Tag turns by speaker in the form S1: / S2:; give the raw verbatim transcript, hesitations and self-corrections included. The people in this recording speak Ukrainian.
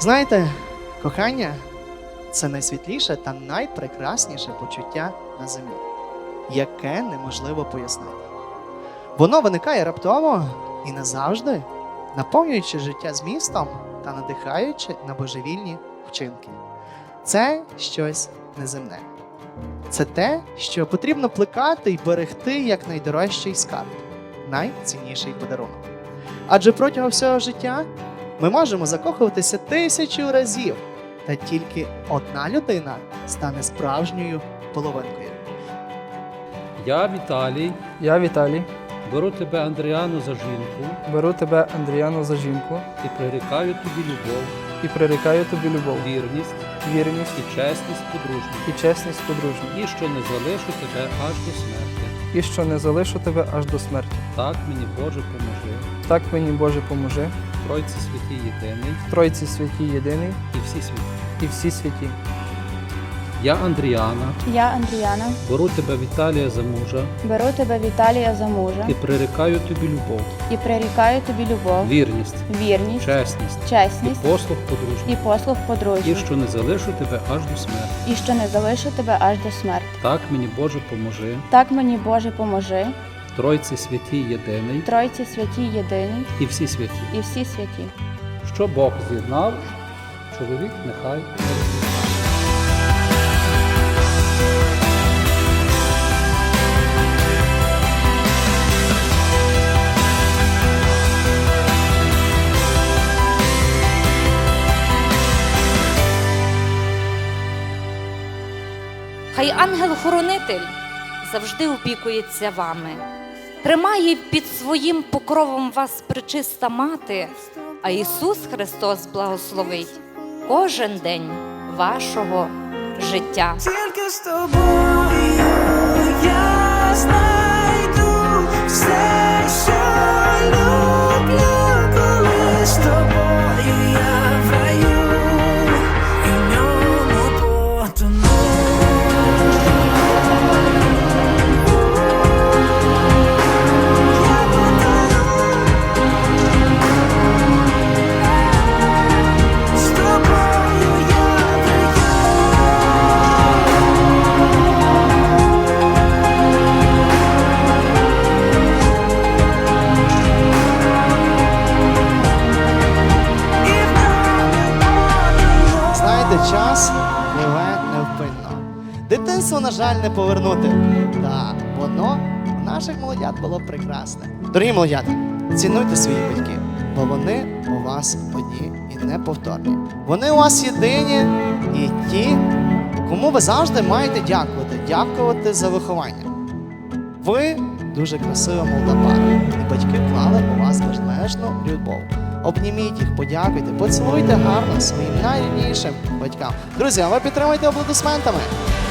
S1: Знаєте, кохання – це найсвітліше та найпрекрасніше почуття на землі, яке неможливо пояснити. Воно виникає раптово і назавжди, наповнюючи життя змістом та надихаючи на божевільні вчинки. Це щось неземне. Це те, що потрібно плекати і берегти як найдорожчий скарб, найцінніший подарунок. Адже протягом всього життя ми можемо закохуватися тисячу разів, та тільки одна людина стане справжньою половинкою.
S2: Я Віталій,
S3: Я Віталій,
S2: беру тебе, Андріану, за жінку
S3: беру тебе, Андріану, за жінку
S2: і прирікаю тобі любов,
S3: і прирікаю тобі любов,
S2: вірність
S3: вірність
S2: і чесність подружню,
S3: і чесність подружню,
S2: і що не залишу тебе аж до смерти.
S3: і що не залишу тебе аж до смерті.
S2: Так мені, Боже, поможи,
S3: Так мені, Боже, поможи,
S2: Тройці святій єдиний
S3: Тройці святій єдиний
S2: і всі святі.
S3: і всі святі.
S2: Я Андріана,
S4: Я Андріана,
S2: беру тебе, Віталія, за мужа
S4: беру тебе, Віталія, за мужа
S2: і прирікаю тобі любов,
S4: і прирікаю тобі любов,
S2: вірність,
S4: вірність,
S2: чесність і
S4: чесність
S2: послуг подружню,
S4: і послуг
S2: і
S4: подружню,
S2: що не залишу тебе аж до смерти.
S4: і що не залишу тебе аж до смерти.
S2: Так мені, Боже, поможи,
S4: Так мені, Боже, поможи,
S2: Тройці святій єдиний
S4: Тройці святій єдиний
S2: і всі святі.
S4: і всі святі.
S2: Що Бог з'єднав, чоловік нехай не розлучає.
S5: Хай ангел-хоронитель завжди опікується вами, тримає під своїм покровом вас пречиста мати, а Ісус Христос благословить кожен день вашого життя.
S6: Тільки з тобою я знайду все, що люблю, коли з тобою я в раю і в ньому потону. З тобою я в
S1: Знаєте, час пливе невпинно. Дитинство, на жаль, не повернути. Та воно у наших молодят було прекрасне. Дорогі молодята, цінуйте своїх батьків, бо вони у вас одні і неповторні. Вони у вас єдині і ті, кому ви завжди маєте дякувати, дякувати за виховання. Ви дуже красива молода пара, і батьки вклали у вас безмежну любов. Обніміть їх, подякуйте, поцілуйте гарно своїм найріднішим батькам. Друзі, а ви підтримуйте аплодисментами.